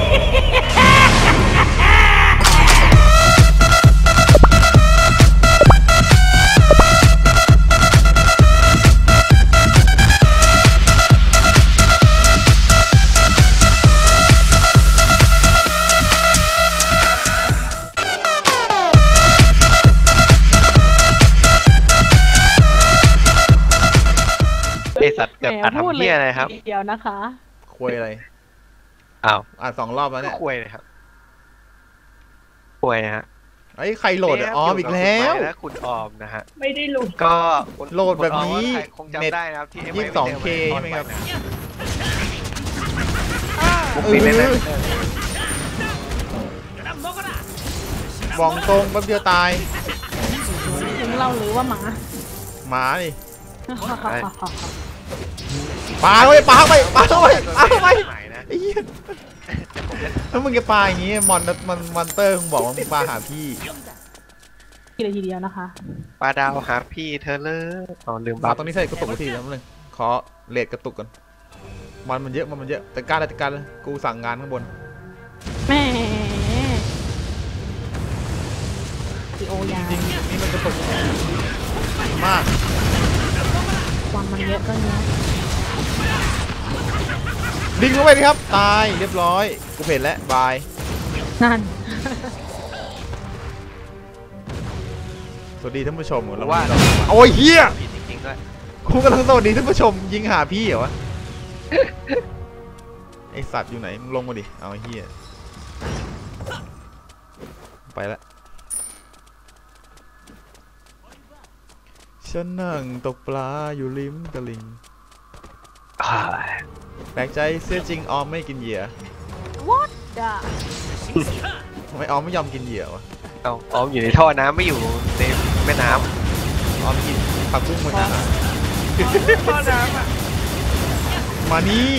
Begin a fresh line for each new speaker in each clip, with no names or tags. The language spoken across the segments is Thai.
ไอสัตว์กับทำเหี้ยอะไรครับ
เดี๋ยวนะคะ
คุยอะไร
อ้าว
2 รอบแล้วเนี่ย
คุยเลยครับคุยฮะ
ไอ้ใครโหลดออมอีกแล้ว
คุณออมนะฮะ
ไม่ได้โหลด
ก็
โหลดแบบนี้
คงจำได้นะครับที่
22K ใช่ไหมครับบองตรงแป๊บเดียวตาย
ถึงเราหรือว่าหมา
ดิปลาเข้าไปปลาเข้าไปไอ้เหี้ยถ้ามึงจะปลาอย่างงี้มอนเตอร์มึงบอกว่ามึงปลาหาพี่
ทีเดียวนะคะ
ปลาดาวหาพี่เธอเลยลืม
ปลาตรงนี้ใส่กระตุกทีแล้วนึงขอเลดกระตุกก่อนมันเยอะแต่การเลยกูสั่งงานข้างบน
แม่โอยา
จริงนี่มันกระตุกมาก
ความมันเยอะก็เนี้ย
ดึงเข้าไปดิครับตายเรียบร้อยกูเห็นแล้วบาย
นั่น
สวัสดีท่านผู้ชมเราว่าโอ้ยเฮีย
จริงๆด้วย
กูกำลังสวัสดีท่านผู้ชมยิงหาพี่เหรอวะไอสัตว์อยู่ไหนมึงลงมาดิเอาเฮียไปละฉันนั่งตกปลาอยู่ริมตลิ่งแปลกใจเสื้อจริงออมไม่กินเหยื่อ
What the
ทำไมออมไม่ยอมกินเหยื่อวะ
ออมอยู่ในท่อน้ำไม่อยู่ในแม่น้
ำออมกินผักบุ้งเหมือนกัน
ท่อน้ำอ่ะ
มานี่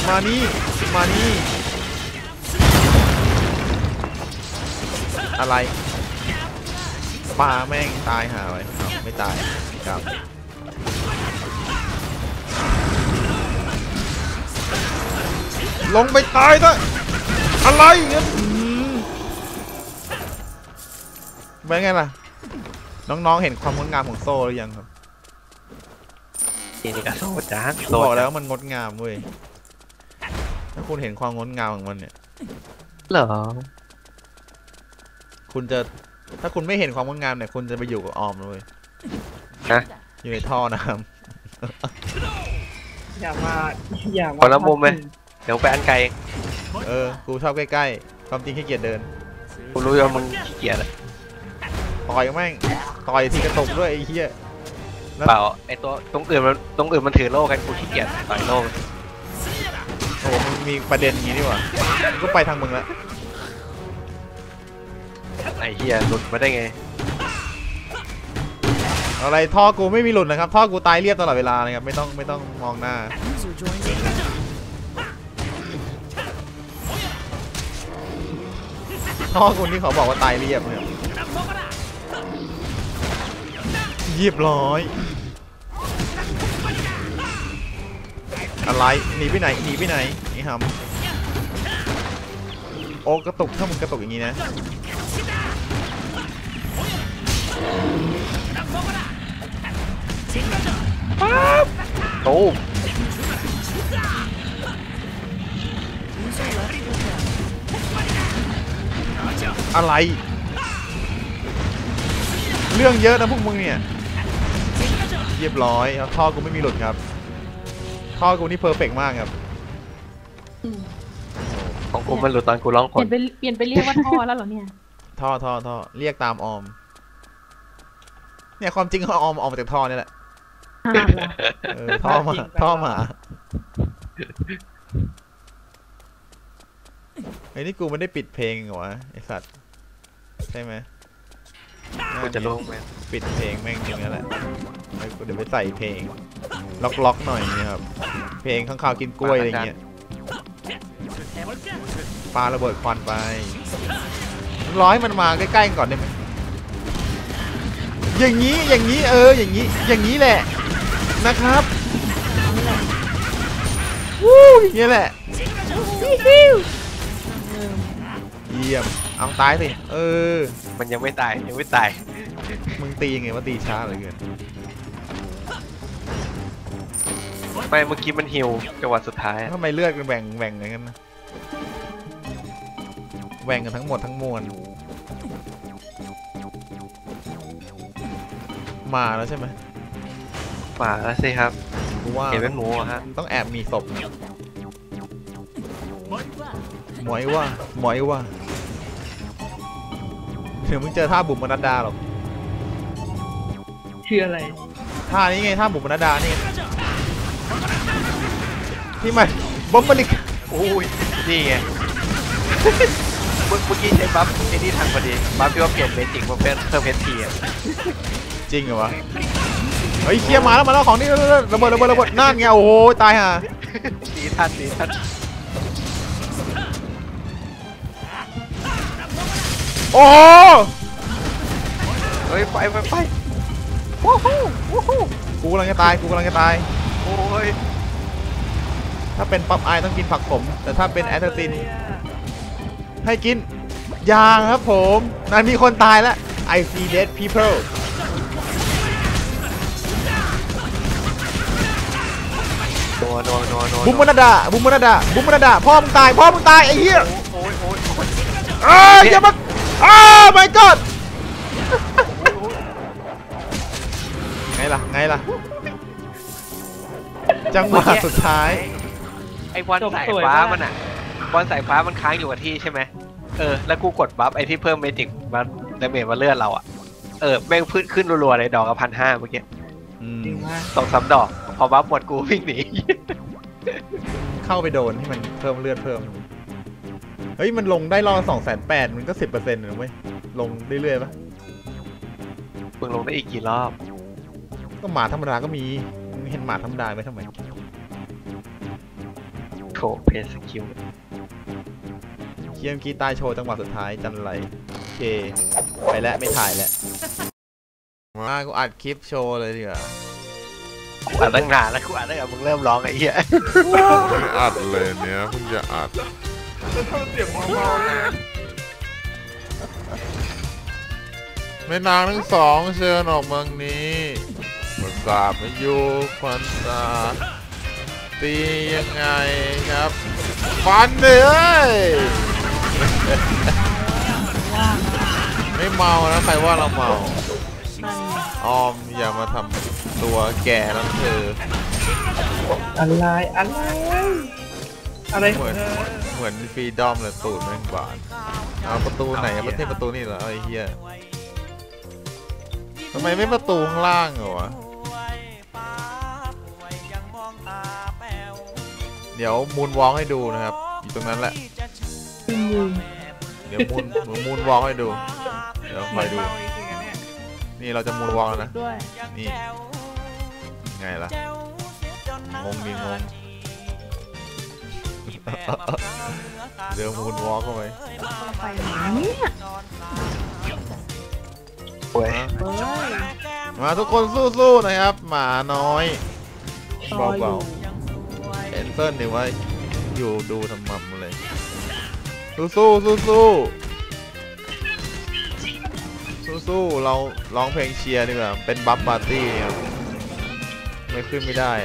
อะไรปลาแม่งตายหาไว้ไม่ตายครับลงไปตายซะอะไรเงี้ยเป็นไงล่ะน้องๆเห็นความงดงามของโซ่หรือยังครับ
นี่ก็โซ่จ้า
บอกแล้วมันงดงามเว้ยถ้าคุณเห็นความงดงามของมันเนี่ย
เหรอ
ถ้าคุณไม่เห็นความงดงามเนี่ยคุณจะไปอยู่กับออมเลย
ฮะ
อยู่ในท่อน้
ำอย่ามา
คนละมุมไหมเดี๋ยวไปอันไกล
กูชอบใกล้ๆความจริงขี้เกียจเดิน
กูรู้ว่ามึงขี้เกียจ
ต่อยแม่งต่อยทีกระตุกด้วยไอ้เหี้ย
เปล่าไอ้ตัวตรงอื่นมันถือโล่กันกูขี้เกียจต่อยโล่
โอ้มึงมีประเด็นอย่างนี้ดีกว่าก็ไปทางมึงละ
ไอ้เหี้ยหลุดมาได้ไง
อะไรท่อกูไม่มีหลุดนะครับท่อกูตายเรียบตลอดเวลาเลยครับไม่ต้องมองหน้าท่อกูที่เขาบอกว่าตายเรียบเนี่ยเรียบร้อยอะไรหนีไปไหนนี่ฮัมโอ้กระตุกถ้ามึงกระตุกอย่างนี้นะ
โอ้
อะไรเรื่องเยอะนะพวกมึงเนี่ยเรียบร้อยครับท่อกูไม่มีหลุดครับท่อกูนี่เพอร์เฟกต์มากครับ
ของกูมันหลุดตอนกูร้องคน
เปลี่ยนไปเรียกว่าท่อแล้วเหรอเนี่ย
ท่อเรียกตามออมเนี่ยความจริงเขาออมมาจากท่อนี่แหละท่อมาไอ้นี่กูไม่ได้ปิดเพลงเหรอวะไอสัตว์ใช่ไหม
กูจะลงไหม
ปิดเพลงแม่งจริงแล้วแหละเดี๋ยวไปใส่เพลงล็อกหน่อยนี่ครับเพลงข้างข่าวกินกล้วยอะไรเงี้ยปาระเบิดควันไปร้อยมันมาใกล้ๆก่อนได้ไหมอย่างนี้อย่างนี้แหละนะครับวู้อย่างนี้แหละ
อ
เยี่ยมเอาตายสิ
มันยังไม่ตายยังไม่ตาย
มึงตียังไงว่าตีช้าเหลือเกิน
ไม่เมื่อกี้มันฮิวจังหวะสุดท้าย
ทำไมเลือดกันแบ่งอย่างนั้นนะแบ่งกันทั้งหมดทั้งมวลมาแล้วใช่ไหม
มาแล้วสิครับ
กูว่า
เห็นเป็นหมูอะฮะ
ต้องแอบมีศพนะหมอยว่าเดี๋ยวมึงเจอท่าบุ๋มมนัดดาหรอก
คืออะไร
ท่านี้ไงท่าบุ๋มมนัดดานี่ที่มันบอมบลิก
โอ้ยนี่ไง เมื่อกี้ใช้บัฟไอ้นี่ทันพอดีบัฟที่ว่าเปลี่ยนเมจิกมาเป็นเพิ่มเพชรทีอ่ะ
จริงเหรอวะเฮ้ยเคลียร์มาแล้วของนี่ระเบิดนั่นไงโอ้โหตายห่า
ดีทัน
โอ้โห
เฮ้ยไป
วู้ฮู้กูกำลังจะตาย
โอ้ย
ถ้าเป็นป๊อปไอต้องกินผักขมแต่ถ้าเป็นแอสเทอร์ตินให้กินยางครับผมนั่นมีคนตายแล้ว I see dead people
นัว
บุ้มมนาดาพ่อมึงตายไอ้เหี้ย
โอ้ย
อย่ามาmy god ไงล่ะจังหวะสุดท้าย
ไอ้บอลสายฟ้ามันอ่ะบอลสายฟ้ามันค้างอยู่กับที่ใช่ไหมแล้วกูกดบัฟไอ้ที่เพิ่มเมจิกมาดาเมจมาเลือดเราอ่ะแม่งพื้นขึ้นรัวๆเลยดอกละ1,500เมื่อกี้
จริงมาก
2-3 ดอกพอบัฟหมดกูวิ่งหนี
เข้าไปโดนให้มันเพิ่มเลือดเพิ่มเฮ้ยมันลงได้รอ280,000มันก็ 10% เลยเว้ยลงเรื่อยๆปะ
มึงลงได้อีกกี่รอบ
ก็หมาธรรมดาก็มีมึงเห็นหมาธรรมดาไหมทำไม
โถเพสคิว
เคียมกี้ตายโชว์จังหวะสุดท้ายจันไรโอเคไปแล้วไม่ถ่ายแล้วมากูอัดคลิปโชว์เลยดีกว่า
อัดตั้งนานแล้วกูอัดตั้งแต่มึงเริ่มร้องไอ้เหี้ย
อัดเลยเนี้ยเพิ่งจะอัด
จะทำเสียงเมาๆเลย
แม่นางทั้งสองเชิญออกเมืองนี้ประกาศมาอยู่ควันตาตียังไงครับฟันเลยไม่เมานะใครว่าเราเมาออมอย่ามาทำตัวแก่แล้วเธอ
อะไร
เหมือนฟรีดอมเลยตูดแม่งบานเอาประตูไหนประตูนี่เหรอไอ้เหี้ยทำไมไม่ประตูข้างล่างเหรอวะเดี๋ยวมูนวอล์กให้ดูนะครับอยู่ตรงนั้นแหละเดี๋ยวมูนวอล์กให้ดูเดี๋ยวคอยดูนี่เราจะมูนวอล์กแล้วนะนี่ไงล่ะงงเดี๋ยวมูนวอล์กเข้าไปมาทุกคนสู้ๆนะครับหมาน้อยเบาๆเอ็นเซิลนี่ว่าอยู่ดูทำมัมเลยสู้เราร้องเพลงเชียร์ดีกว่าเป็นบัฟปาร์ตี้ครับไม่ขึ้นไม่ได้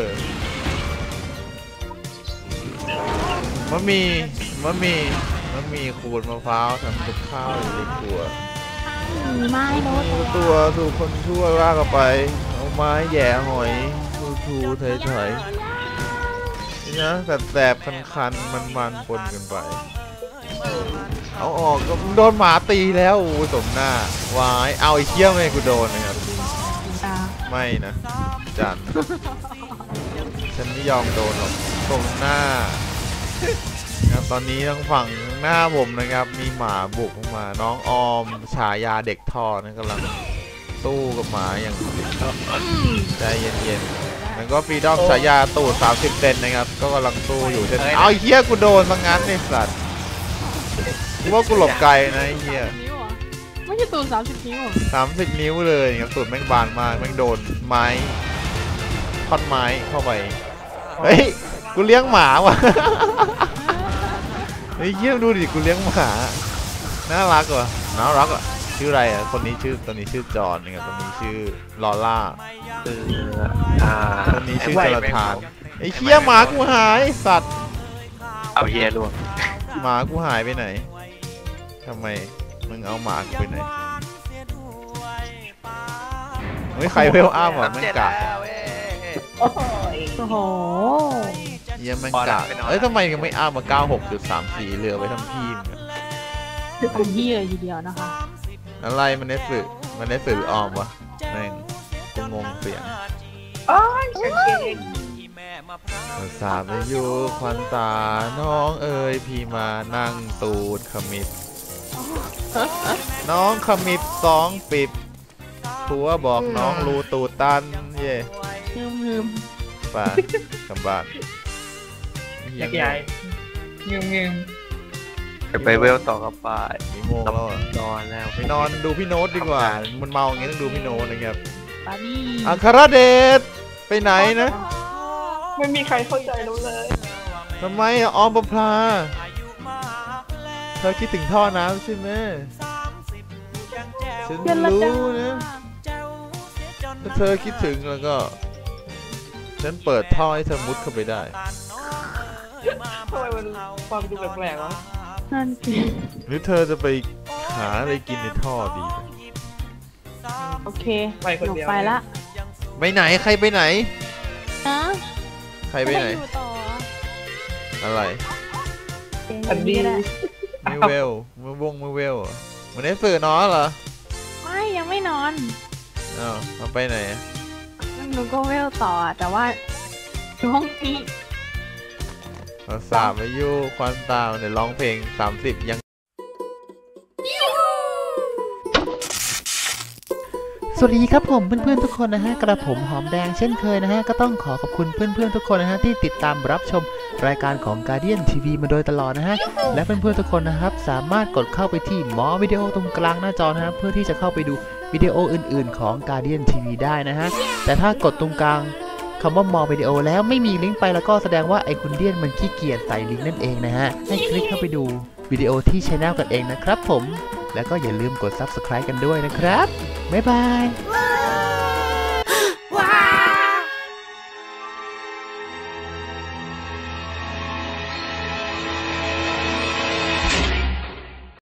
มันมีขูดมะพร้าวทำกับข้าวอยู่ในครัว
ไม้รถ
ตัวถูกคนชั่วว่ากันไปเอาไม้แย่หอยทูเฉยๆนะแสบคันมันปนกันไปเอาออกก็โดนหมาตีแล้วโอ้สมหน้าวายเอาไอ้เขี้ยวไม่กูโดนนะครับไม่นะจันฉันไม่ยอมโดนหรอกตรงหน้าครับตอนนี้ทางฝั่งหน้าผมนะครับมีหมาบุกเข้ามาน้องออมฉายาเด็กท่อนะกำลังสู้กับหมาอย่างใจเย็นๆแล้วก็ฟรีดอมฉายาตูด30 เซนนะครับก็กำลังสู้อยู่เช่นเอาเฮียกูโดนมางั้นไอ้สัตว์กูว่ากูหลบไกลนะไอ้เฮีย
ไม่ใช่ตูด30 นิ้ว
30 นิ้วเลยครับตูดแม่งบานมากแม่งโดนไม้ท่อนไม้เข้าไปเฮ้ยกูเลี้ยงหมาว่ะเฮ้ยเยี่ยมดูดิกูเลี้ยงหมาน่ารักว่ะน่ารักอ่ะชื่ออะไรอ่ะคนนี้ชื่อตัวนี้ชื่อจอห์นนะครับตัวนี้ชื่อลอล่า
คืออ่า
ตัวนี้ชื่อจรทานไอ้เหี้ยหมากูหายสัตว์
เอาเฮียรวม
หมากูหายไปไหนทำไมมึงเอาหมากูไปไหนเฮ้ยใครเวลอ้ามอ่ะมันกะ
โอ้โห
เยี่ยมมันกะเอ้ยทำไมยังไม่อ้ามมา 96.34เรือไว้ทำพี่มึง
ทำยี่เลยทีเดียวนะคะ
อะไรมันเนสสึมันเนสสึหรือออมวะแม่งกูงงเสียงสาบไปอยู่ควันตาน้องเอ๋ยพี่มานั่งตูดขมิบน้องขมิบ2 ปิบผัวบอกน้องรูตูดตันเย่
ลืม
ป่ากำบ้าน
อยากใหญ่เงง
ไปเวลต่อกับไป
กี่โมงแล้วอะ
นอนแล้ว
ไปนอนดูพี่โน้ตดีกว่า มันเมาอย่างงี้ต้องดูพี่โน้ตนะครับ
ปานี่
อัครเดชไปไหนนะ
ไม่มีใครเข้าใจเราเลย
ทำไมอะออมประพลาเธอคิดถึงท่อน้ำใช่ไหมฉันรู้นะถ้าเธอคิดถึงแล้วก็ ฉันเปิดท่อให้เธอมุดเข้าไปได้
ทำไมมันฟังดูแปลกๆวะ
นั่นสิ
หรือเธอจะไปหาอะไรกินในท่อดี
โอเค
ไปคน
หนู
เดียว
ไปละ
ไปไหนใครไปไหน
นะ
ใครไปไหน
อยู่ต่อ
อะไร
อันดี
ก็ได้
มือเวลมือเวลเหรอมันได้สื่อนอนเหรอ
ไม่ยังไม่นอน
อ้าวมันไปไหนอะ
หนูก็เวลต่อแต่ว่าอยู่ห้องนี้
เราสาบอายุควันตาเนี่ยร้องเพลง30ยังสวัสดีครับผมเพื่อนๆทุกคนนะฮะกระผมหอมแดงเช่นเคยนะฮะก็ต้องขอขอบคุณเพื่อนๆทุกคนนะฮะที่ติดตามรับชมรายการของ Guardian TV มาโดยตลอดนะฮะและเพื่อนๆทุกคนนะครับสามารถกดเข้าไปที่หมอวิดีโอตรงกลางหน้าจอนะฮะเพื่อที่จะเข้าไปดูวิดีโออื่นๆของ Guardian TV ได้นะฮะแต่ถ้ากดตรงกลางคำว่ามอวิดีโอแล้วไม่มีลิงก์ไปแล้วก็แสดงว่าไอคุณเดียนมันขี้เกียจใส่ลิงก์นั่นเองนะฮะให้คลิกเข้าไปดูวิดีโอที่ช่องกันเองนะครับผมแล้วก็อย่าลืมกด Subscribe กันด้วยนะครับบ๊ายบาย